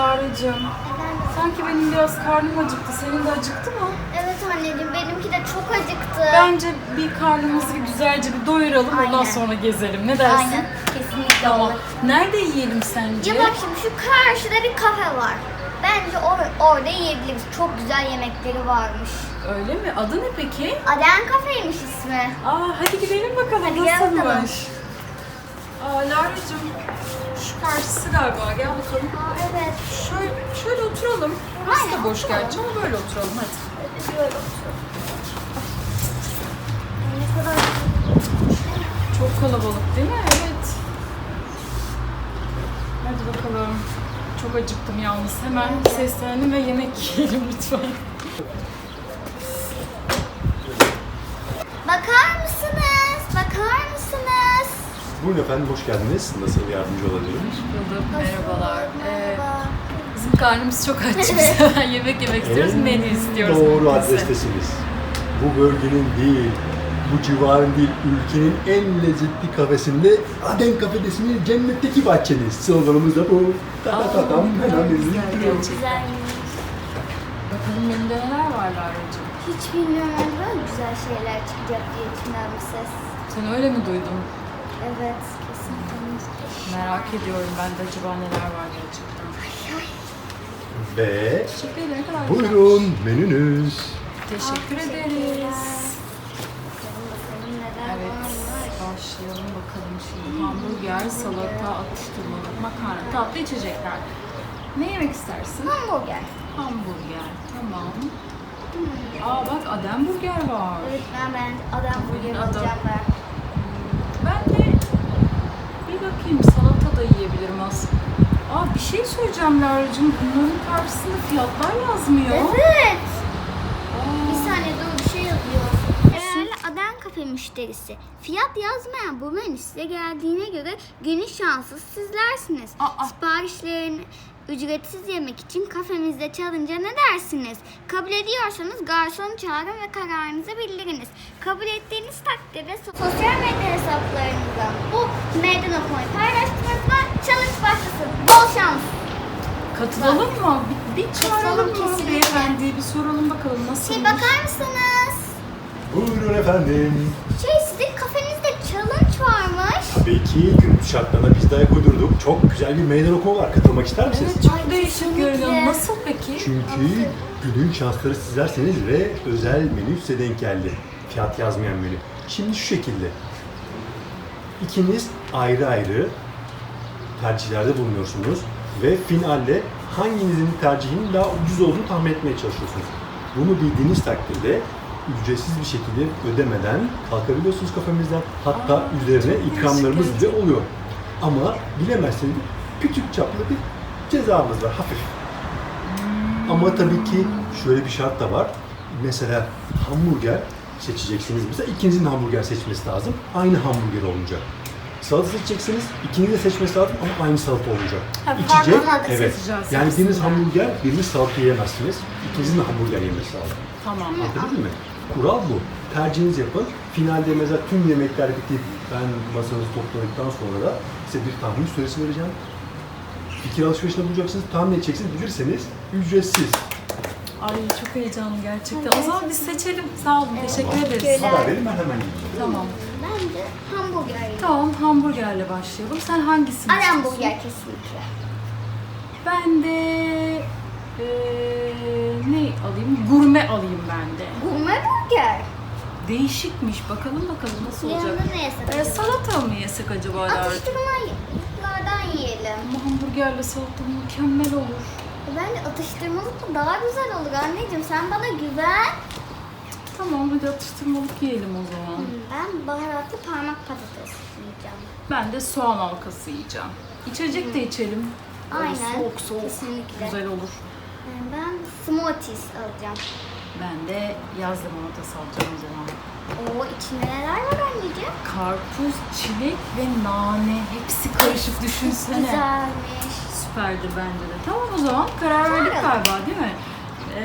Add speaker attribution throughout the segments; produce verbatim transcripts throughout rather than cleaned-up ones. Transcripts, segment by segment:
Speaker 1: Lara'cığım,
Speaker 2: Efendim?
Speaker 1: sanki benim biraz karnım acıktı. Senin de acıktı mı?
Speaker 2: Evet anneciğim, benimki de çok acıktı.
Speaker 1: Bence bir karnımızı bir güzelce bir doyuralım, ondan
Speaker 2: Aynen.
Speaker 1: sonra gezelim. Ne dersin?
Speaker 2: Aynen, kesinlikle
Speaker 1: Tamam.
Speaker 2: olur.
Speaker 1: Nerede yiyelim sence?
Speaker 2: Ya bak şimdi şu karşıda bir kafe var. Bence or- orada yiyebiliriz. Çok güzel yemekleri varmış.
Speaker 1: Öyle mi? Adı ne peki?
Speaker 2: Aden Kafeymiş ismi.
Speaker 1: Aa, hadi gidelim bakalım.
Speaker 2: Hadi gel bakalım.
Speaker 1: Nasılmış? Aa, Lara'cığım, şu karşısı galiba. Gel bakalım.
Speaker 2: Aa evet.
Speaker 1: Şöyle, şöyle oturalım. Burası
Speaker 2: Aynen,
Speaker 1: da boş
Speaker 2: oturalım.
Speaker 1: gerçi ama böyle oturalım hadi.
Speaker 2: Evet, böyle otur. Ay, ne kadar
Speaker 1: Çok kalabalık değil mi? Evet. Hadi bakalım. Çok acıktım yalnız. Hemen seslenelim ve yemek yiyelim lütfen.
Speaker 2: Bakar mısınız? Bakar mısınız?
Speaker 3: Buyurun efendim, hoş geldiniz. Nasıl yardımcı olabilirim?
Speaker 1: Bulduk. Merhabalar. Ee,
Speaker 2: Merhaba.
Speaker 1: bizim karnımız çok aç. Biz hemen yemek yemek istiyoruz. Menü istiyoruz.
Speaker 3: Doğru
Speaker 1: menü bize.
Speaker 3: adrestesiniz. Bu bölgenin değil, bu civarın değil, ülkenin en lezzetli kafesinde Aden Kafedesi'nin cennetteki bahçeniz. Sloganımız da bu. Ta ta ta tam hemen
Speaker 1: güzel,
Speaker 3: bizi bitiriyor.
Speaker 1: gerçekten.
Speaker 2: Güzelmiş.
Speaker 1: Bakalım menüde neler var Lara'cığım?
Speaker 2: Hiç bilmiyorum, hani böyle güzel şeyler çıkacak diye içimden bir ses.
Speaker 1: Sen öyle mi duydun?
Speaker 2: Evet, kesinlikle.
Speaker 1: Merak ediyorum ben de acaba neler var gerçekten.
Speaker 3: Ve
Speaker 1: Teşekkür ederim. Ne kadar güzel.
Speaker 3: buyurun menünüz.
Speaker 1: Teşekkür
Speaker 2: Aa,
Speaker 1: ederiz.
Speaker 2: Bakalım bakalım neler
Speaker 1: Evet,
Speaker 2: varmış.
Speaker 1: başlayalım bakalım şimdi. Hamburger, salata, atıştırmalık, makarna, tatlı içecekler. Ne yemek istersin?
Speaker 2: Hamburger.
Speaker 1: Hamburger, tamam. Aa bak Adem Burger var.
Speaker 2: Evet, ben ben adam burger
Speaker 1: Adam.
Speaker 2: alacağım ben.
Speaker 1: Ben de bir bakayım salata da yiyebilirim aslında. Aa bir şey söyleyeceğim Lara'cığım. Bunların karşısında fiyatlar yazmıyor.
Speaker 2: Evet.
Speaker 1: Aa,
Speaker 2: Bir saniye dur, bir şey yazıyor. Değerli Aden Kafe müşterisi. Fiyat yazmayan bu menü size geldiğine göre günün şanssız sizlersiniz.
Speaker 1: Aa.
Speaker 2: Siparişlerini ücretsiz yemek için kafemizde çalınca ne dersiniz? Kabul ediyorsanız garsonu çağırın ve kararınızı bildiriniz. Kabul ettiğiniz takdirde so- sosyal medya hesaplarınıza bu meydan okumayı paylaştığınızda challenge başlasın. Bol şans.
Speaker 1: katılalım mı? Bir, bir çağıralım
Speaker 2: Katılalım,
Speaker 1: mı
Speaker 2: kesinlikle.
Speaker 1: beyefendiyi? Bir soralım bakalım nasıl.
Speaker 2: Şey, bakar mısınız?
Speaker 3: Buyurun efendim.
Speaker 2: Şey, sizin kafenizde challenge varmış.
Speaker 3: Tabii ki günümüz şartlarına biz de ayak uydurduk. Çok güzel bir meydan okuma var. Katılmak ister misiniz?
Speaker 1: Evet çok
Speaker 2: Ay,
Speaker 1: değişik
Speaker 2: kesinlikle.
Speaker 1: görünüyor. Nasıl peki?
Speaker 3: Çünkü günün şansları sizlerseniz ve özel menü size denk geldi. Fiyat yazmayan menü. Şimdi şu şekilde. İkiniz ayrı ayrı tercihlerde bulunuyorsunuz ve finalde hanginizin tercihinin daha ucuz olduğunu tahmin etmeye çalışıyorsunuz. Bunu bildiğiniz takdirde ücretsiz bir şekilde ödemeden kalkabiliyorsunuz kafemizden. Hatta
Speaker 1: Aa,
Speaker 3: üzerine
Speaker 1: çok
Speaker 3: ikramlarımız
Speaker 1: değişik
Speaker 3: bile oluyor. Ama bilemezseniz küçük çaplı bir cezamız var, hafif. Ama tabii ki şöyle bir şart da var. Mesela hamburger seçeceksiniz. Mesela ikinizin hamburger seçmesi lazım. Aynı hamburger olacak. Salata seçeceksiniz. İkiniz de seçmesi lazım ama aynı salata olacak.
Speaker 1: Ha,
Speaker 3: İçecek,
Speaker 1: farklı salata
Speaker 3: evet.
Speaker 1: seçeceğiz
Speaker 3: Yani biriniz
Speaker 1: aslında.
Speaker 3: hamburger, biriniz salata yiyemezsiniz. İkinizin de hamburger yemesi lazım.
Speaker 1: Tamam.
Speaker 3: Anladın mı? Kural bu. Tercihinizi yapın. Finalde mesela tüm yemekler bitip ben masanızı topladıktan sonra da size bir tahmin süresi vereceğim. Fikir alışverişinde bulacaksınız, tahmin edeceksiniz, bilirseniz ücretsiz.
Speaker 1: Ay çok heyecanlı gerçekten. O zaman biz seçelim. Sağ olun. Teşekkür ederiz.
Speaker 2: Teşekkürler.
Speaker 3: Haber verin, ben hemen gideyim.
Speaker 1: Tamam.
Speaker 2: Ben de hamburger yiyeyim.
Speaker 1: Tamam hamburgerle başlayalım. Sen hangisini
Speaker 2: Aden
Speaker 1: istiyorsun?
Speaker 2: burger kesinlikle.
Speaker 1: Ben de eee, ne alayım? Gurme alayım ben de.
Speaker 2: Gurme burger.
Speaker 1: Değişikmiş. Bakalım bakalım nasıl olacak.
Speaker 2: Yanında ne yesek?
Speaker 1: Ee, salata mı yesek acaba? Lara?
Speaker 2: Atıştırmalıklardan yiyelim.
Speaker 1: Ama hamburgerle salata mükemmel olur.
Speaker 2: Bence atıştırmalık daha güzel olur anneciğim. Sen bana güven.
Speaker 1: Tamam hadi atıştırmalık yiyelim o zaman.
Speaker 2: Ben baharatlı parmak patates yiyeceğim.
Speaker 1: Ben de soğan halkası yiyeceğim. İçecek de içelim. Böyle
Speaker 2: Aynen,
Speaker 1: soğuk soğuk.
Speaker 2: kesinlikle.
Speaker 1: Güzel olur.
Speaker 2: Yani ben smoothies alacağım.
Speaker 1: Ben de yaz limonatası alacağım o zaman.
Speaker 2: Oo, içinde neler var anneciğim?
Speaker 1: Karpuz, çilek ve nane hepsi karışık düşünsene.
Speaker 2: Güzelmiş.
Speaker 1: Süperdir bence de. Tamam o zaman karar verdik
Speaker 2: Çağıralım.
Speaker 1: galiba değil mi? Ee,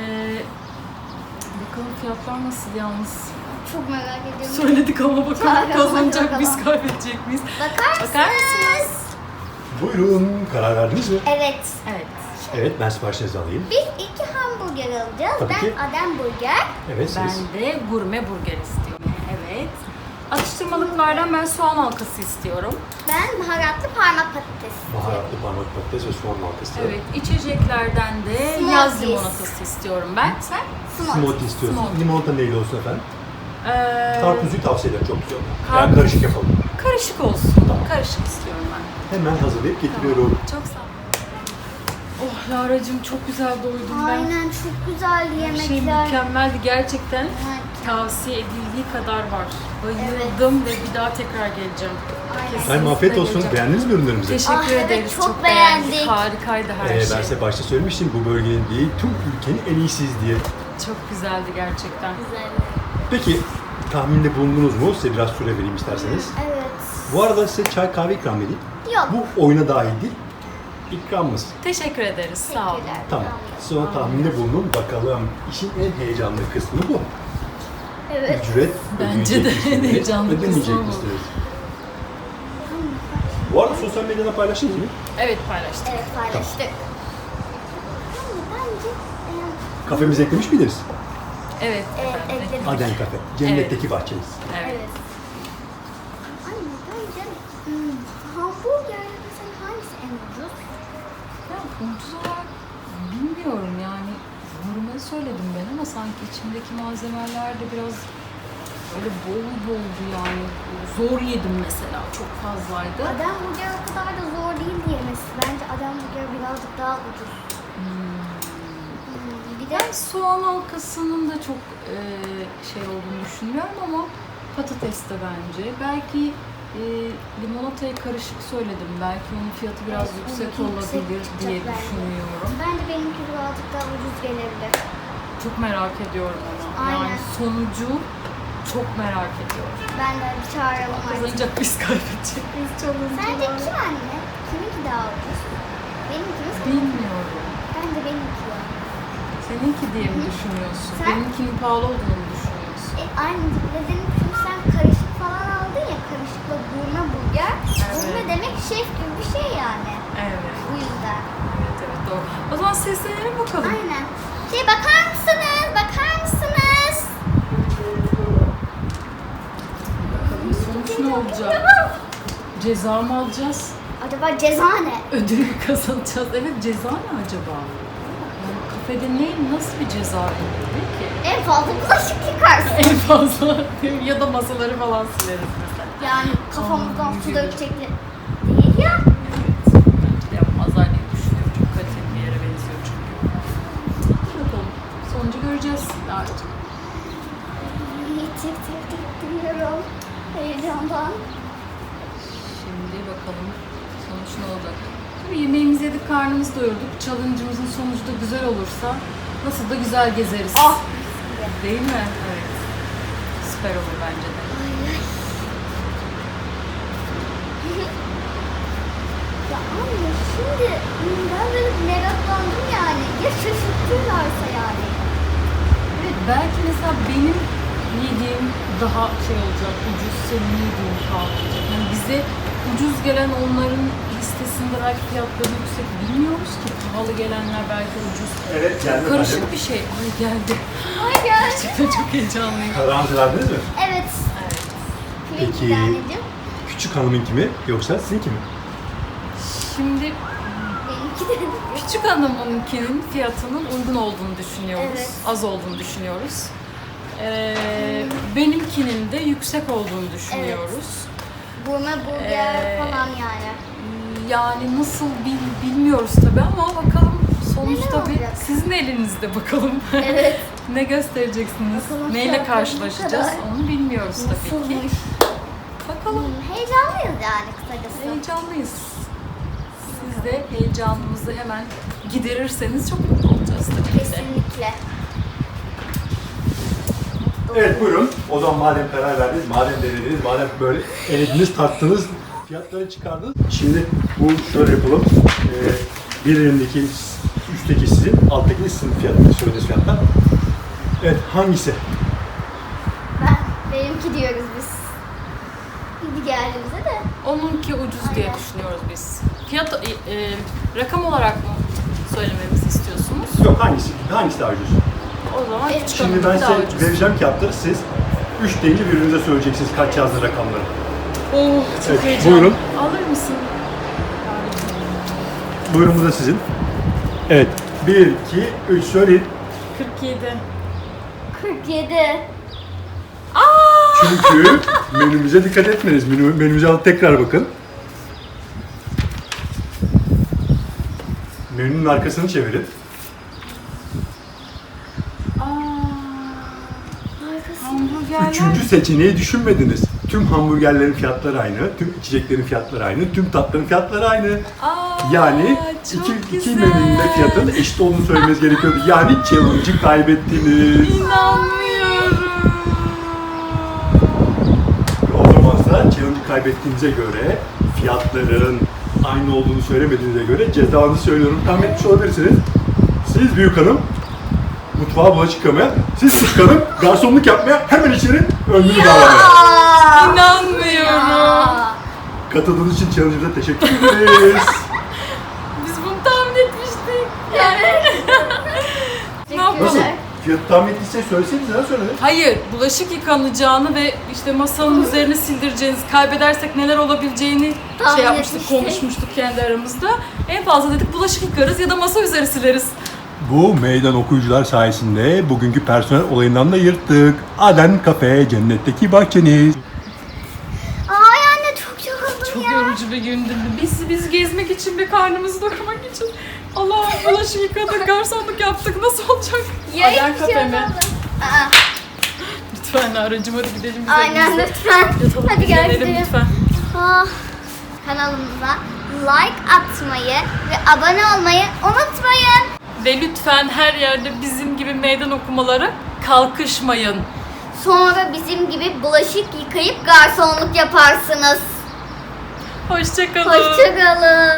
Speaker 1: bakalım fiyatlar nasıl yalnız.
Speaker 2: Çok merak ediyorum.
Speaker 1: Söyledik ama bakalım
Speaker 2: Çağıralım,
Speaker 1: kazanacak
Speaker 2: bakalım.
Speaker 1: biz kaybedecek miyiz?
Speaker 2: Bakar mısınız?
Speaker 1: Bakar mısınız?
Speaker 3: Buyurun, karar verdiniz mi?
Speaker 2: Evet.
Speaker 1: Evet.
Speaker 3: Evet, ben siparişinizi alayım.
Speaker 2: Biz iki hamburger alacağız.
Speaker 3: Tabii
Speaker 2: ben
Speaker 3: ki.
Speaker 2: Adem burger.
Speaker 3: Evet, siz.
Speaker 1: Ben de gurme burger istiyorum. Evet. Atıştırmalıklardan ben soğan halkası istiyorum.
Speaker 2: Ben baharatlı parmak patates istiyorum.
Speaker 3: Baharatlı parmak patates ve soğan halkası.
Speaker 1: Evet, içeceklerden de
Speaker 2: Smoothies.
Speaker 1: yaz limonatası istiyorum ben. Sen?
Speaker 3: Smoothie istiyorsun.
Speaker 1: Smoothie.
Speaker 3: Limonata neyle olsun efendim?
Speaker 1: Ee,
Speaker 3: Karpuzlu tavsiye ederim, çok güzel.
Speaker 1: Karpuz.
Speaker 3: Yani karışık yapalım.
Speaker 1: Karışık olsun.
Speaker 3: Tamam.
Speaker 1: Karışık istiyorum ben.
Speaker 3: Hemen hazırlayıp getiriyorum.
Speaker 1: Çok sağ ol. Oh Lara'cığım çok güzel doydum ben.
Speaker 2: Aynen, çok güzel
Speaker 1: Her şey
Speaker 2: yemekler.
Speaker 1: mükemmeldi gerçekten.
Speaker 2: Evet.
Speaker 1: Tavsiye edildiği kadar var. Bayıldım ve bir daha tekrar geleceğim.
Speaker 2: Aynen.
Speaker 1: Kesinlikle
Speaker 3: Efendim afiyet olsun.
Speaker 1: geleceğim.
Speaker 3: Beğendiniz mi ürünlerimizi?
Speaker 2: Ah,
Speaker 1: Teşekkür
Speaker 2: evet,
Speaker 1: ederiz.
Speaker 2: çok beğendik.
Speaker 1: Harikaydı her
Speaker 3: Ee,
Speaker 1: şey.
Speaker 3: ben size başta söylemiştim, bu bölgenin değil, tüm ülkenin en iyisiyiz diye.
Speaker 1: Çok güzeldi gerçekten.
Speaker 2: Güzel.
Speaker 3: Peki, tahminde bulundunuz mu? Size biraz süre vereyim isterseniz.
Speaker 2: Evet.
Speaker 3: Bu arada size çay kahve ikram edeyim.
Speaker 2: Yok.
Speaker 3: Bu oyuna dahil değil, ikramımız.
Speaker 1: Teşekkür ederiz. Sağ olun.
Speaker 2: Teşekkürler.
Speaker 3: Tamam. Sonra tahminde bulunun. Bakalım, işin en heyecanlı kısmı bu.
Speaker 2: Evet.
Speaker 3: Ücret
Speaker 1: Bence de
Speaker 3: ödeyecek
Speaker 1: en
Speaker 3: misiniz,
Speaker 1: heyecanlı
Speaker 3: ödemeyecek
Speaker 1: kısmı bu.
Speaker 3: misiniz? Bu arada sosyal medyada paylaştınız mı?
Speaker 1: Evet paylaştık.
Speaker 2: Evet, paylaştık. Ama bence e,
Speaker 3: Kafemize eklemiş miydiniz?
Speaker 1: Evet.
Speaker 2: Evet,
Speaker 1: efendim.
Speaker 2: ekledik.
Speaker 3: Aden Kafe. Cennetteki bahçeniz.
Speaker 1: Evet.
Speaker 2: evet. Anne bence hmm, hamburgerle mesela hangisi en ucuz?
Speaker 1: Ya ucuz olarak bilmiyorum yani. Gurme söyledim ben ama sanki içindeki malzemeler de biraz öyle bol boldu yani. Zor yedim mesela. Çok fazlaydı.
Speaker 2: Adem burger o kadar da zor değil diyemesi. Bence Adem burger birazcık daha ucuz. Hmm, bir de
Speaker 1: Ben soğan halkasının da çok e, şey olduğunu düşünmüyorum ama patates de bence. Belki e, limonatayı karışık söyledim. Belki onun fiyatı biraz
Speaker 2: Evet,
Speaker 1: yüksek
Speaker 2: onunki yüksek
Speaker 1: olabilir
Speaker 2: çıkacak
Speaker 1: diye
Speaker 2: bence.
Speaker 1: düşünüyorum.
Speaker 2: bence benimki birazcık daha ucuz gelebilir.
Speaker 1: Çok merak ediyorum ama.
Speaker 2: Aynen.
Speaker 1: Yani sonucu çok merak ediyorum.
Speaker 2: Ben de bir çağıralım artık.
Speaker 1: Kazanacak biz kaybedecek biz çalınca.
Speaker 2: Sence kim anne? Kiminki daha ucuz? Benimki mi? seninki mi?
Speaker 1: Bilmiyorum.
Speaker 2: Bence benimki ya.
Speaker 1: Seninki diye mi düşünüyorsun?
Speaker 2: Sen?
Speaker 1: Benimkinin pahalı olduğunu mu düşünüyorsun?
Speaker 2: E, aynı dedim çünkü sen karışık falan aldın ya, karışıkla gurme burger. Gurme demek şef gibi bir şey yani.
Speaker 1: Evet.
Speaker 2: Bu yüzden.
Speaker 1: Evet evet doğru. O zaman seslenelim bakalım.
Speaker 2: Aynen. Şey, bakar mısınız? Bakar mısınız?
Speaker 1: Bakalım sonuç ne olacak? Ceza mı alacağız?
Speaker 2: Acaba ceza ne?
Speaker 1: Ödül mü kazanacağız? Evet ceza ne acaba? Yani kafede ne, nasıl bir ceza verilir ki?
Speaker 2: En fazla bulaşık yıkarsın.
Speaker 1: En fazla ya da masaları falan sileriz mesela.
Speaker 2: Yani kafamızdan
Speaker 1: Aa,
Speaker 2: su
Speaker 1: gibi.
Speaker 2: dökecekler. Değil ya.
Speaker 1: Evet. Bence de yapmazlar diye düşünüyorum. Çok kaliteli bir yere benziyor çünkü. Bakalım. Sonucu göreceğiz. Artık.
Speaker 2: Tık tık tık diyorum. Heyecandan.
Speaker 1: Şimdi bakalım sonuç ne olacak. Tabii yemeğimizi yedik, karnımızı doyurduk. Challenge'ımızın sonucu da güzel olursa nasıl da güzel gezeriz.
Speaker 2: Ah!
Speaker 1: Değil mi? Evet. Süper olur bence de.
Speaker 2: Ya anne, şimdi ben böyle meraklandım yani. Ya şaşırtırlarsa yani.
Speaker 1: Evet, belki mesela benim yediğim daha şey olacak, ucuz, senin yediğin pahalı olacak. Yani bize ucuz gelen onların listesinde belki fiyatları yüksek, bilmiyoruz ki. Pahalı gelenler belki ucuz.
Speaker 3: Evet, geldi
Speaker 1: Karışık
Speaker 3: efendim.
Speaker 1: bir şey. Ay geldi.
Speaker 2: Ay gel.
Speaker 1: Gerçekten çok heyecanlıyım.
Speaker 3: Kararınızı verdiniz mi?
Speaker 2: Evet.
Speaker 1: Evet.
Speaker 3: Peki.
Speaker 2: Peki. Anneciğim.
Speaker 3: Küçük hanımınki mi yoksa sizinki mi?
Speaker 1: Şimdi
Speaker 2: Benimki de.
Speaker 1: küçük hanımınkinin fiyatının uygun olduğunu düşünüyoruz.
Speaker 2: Evet.
Speaker 1: Az olduğunu düşünüyoruz. Ee, benimkinin de yüksek olduğunu düşünüyoruz.
Speaker 2: Gurme burger
Speaker 1: Ee,
Speaker 2: falan yani.
Speaker 1: Yani nasıl bil, bilmiyoruz tabii ama bakalım sonuç
Speaker 2: Neler
Speaker 1: tabii
Speaker 2: olacak?
Speaker 1: sizin elinizde bakalım.
Speaker 2: Evet.
Speaker 1: Ne göstereceksiniz?
Speaker 2: Bakalım
Speaker 1: Neyle
Speaker 2: fiyatları ne
Speaker 1: karşılaşacağız
Speaker 2: kadar?
Speaker 1: onu bilmiyoruz tabii ki.
Speaker 2: Nasılmış?
Speaker 1: Bakalım.
Speaker 2: Hmm, heyecanlıyız yani kısacası.
Speaker 1: Heyecanlıyız. Siz de heyecanımızı hemen giderirseniz çok mutlu olacağız tabii ki de.
Speaker 2: Kesinlikle.
Speaker 3: Evet buyurun. O zaman madem karar verdiniz, madem denediniz, madem böyle elediniz, tattınız, fiyatları çıkardınız. Şimdi bu şöyle yapalım. Ee, bir elimdeki üstteki sizin, alttaki de sizin fiyatları, söylediğiniz fiyatlar. Evet hangisi?
Speaker 2: Ben, benimki diyoruz biz. Gibi geldiğimizde de.
Speaker 1: Onunki ucuz diye
Speaker 2: Aynen.
Speaker 1: düşünüyoruz biz. Fiyat, e, e, rakam olarak mı söylememizi istiyorsunuz?
Speaker 3: Yok, hangisi? Hangisi daha ucuz?
Speaker 1: O zaman küçük
Speaker 3: Şimdi
Speaker 1: hanım
Speaker 3: ben
Speaker 1: daha
Speaker 3: size
Speaker 1: ucuz.
Speaker 3: vereceğim kağıtları, siz üç deyince birbirinize söyleyeceksiniz kaç yazdı rakamları.
Speaker 1: Oh, çok
Speaker 3: Evet,
Speaker 1: heyecanlı.
Speaker 3: buyurun.
Speaker 1: Alır mısın?
Speaker 3: Buyurun, bu da sizin. Evet. bir, iki, üç söyleyin.
Speaker 1: kırk yedi.
Speaker 2: kırk yedi.
Speaker 3: Çünkü menümüze dikkat etmeniz. Menü, menümüze alıp tekrar bakın. Menünün arkasını çevirin.
Speaker 1: Aa, hamburgerler.
Speaker 3: Üçüncü seçeneği düşünmediniz. Tüm hamburgerlerin fiyatları aynı, tüm içeceklerin fiyatları aynı, tüm tatların fiyatları aynı.
Speaker 1: Aa,
Speaker 3: Yani
Speaker 1: çok
Speaker 3: iki, iki
Speaker 1: güzel.
Speaker 3: menünün de fiyatının eşit olduğunu söylemeniz gerekiyordu. Yani challenge'ı kaybettiniz.
Speaker 1: İnanmıyorum.
Speaker 3: O zaman da challenge'ı kaybettiğinize göre, fiyatların aynı olduğunu söylemediğinize göre cezanızı söylüyorum. Tahmin etmiş olabilirsiniz. Siz büyük hanım mutfağa bulaşık yıkamaya, siz küçük hanım garsonluk yapmaya, hemen içeri önlüğü bağlamaya.
Speaker 2: Aa!
Speaker 1: İnanmıyorum.
Speaker 2: Aa!
Speaker 3: Katıldığınız için challenge'ımıza teşekkür ederiz.
Speaker 1: Biz bunu tahmin etmiştik. Ne yapalım?
Speaker 3: Nasıl? Fiyatı tahmin ettiyseniz söyleseniz, neden söylediniz?
Speaker 1: Hayır, bulaşık yıkanacağını ve işte masanın üzerine sildireceğiniz, kaybedersek neler olabileceğini
Speaker 2: Tahmin
Speaker 1: şey yapmıştık,
Speaker 2: etmiştik.
Speaker 1: konuşmuştuk kendi aramızda. En fazla dedik bulaşık yıkarız ya da masa üzeri sileriz.
Speaker 3: Bu meydan okuyucular sayesinde bugünkü personel olayından da yırttık. Aden Kafe, cennetteki bahçeniz.
Speaker 2: Ay anne çok yoruldum
Speaker 1: Çok
Speaker 2: ya.
Speaker 1: yorucu bir gündü. Biz biz gezmek için ve karnımızı doyurmak için. Allah, bulaşık yıkadık, garsonluk yaptık. Nasıl olacak?
Speaker 2: Ya
Speaker 1: Aden
Speaker 2: hiçbir şey
Speaker 1: Kafe mi?
Speaker 2: olmadı. Aa,
Speaker 1: Lütfen aracım, hadi gidelim biz
Speaker 2: aynen
Speaker 1: evimize.
Speaker 2: lütfen.
Speaker 1: Yatalım,
Speaker 2: Hadi gel
Speaker 1: dinlenelim
Speaker 2: gidelim.
Speaker 1: lütfen.
Speaker 2: Ah, kanalımıza like atmayı ve abone olmayı unutmayın.
Speaker 1: Ve lütfen her yerde bizim gibi meydan okumaları kalkışmayın.
Speaker 2: Sonra bizim gibi bulaşık yıkayıp garsonluk yaparsınız.
Speaker 1: Hoşça kalın.
Speaker 2: Hoşçakalın.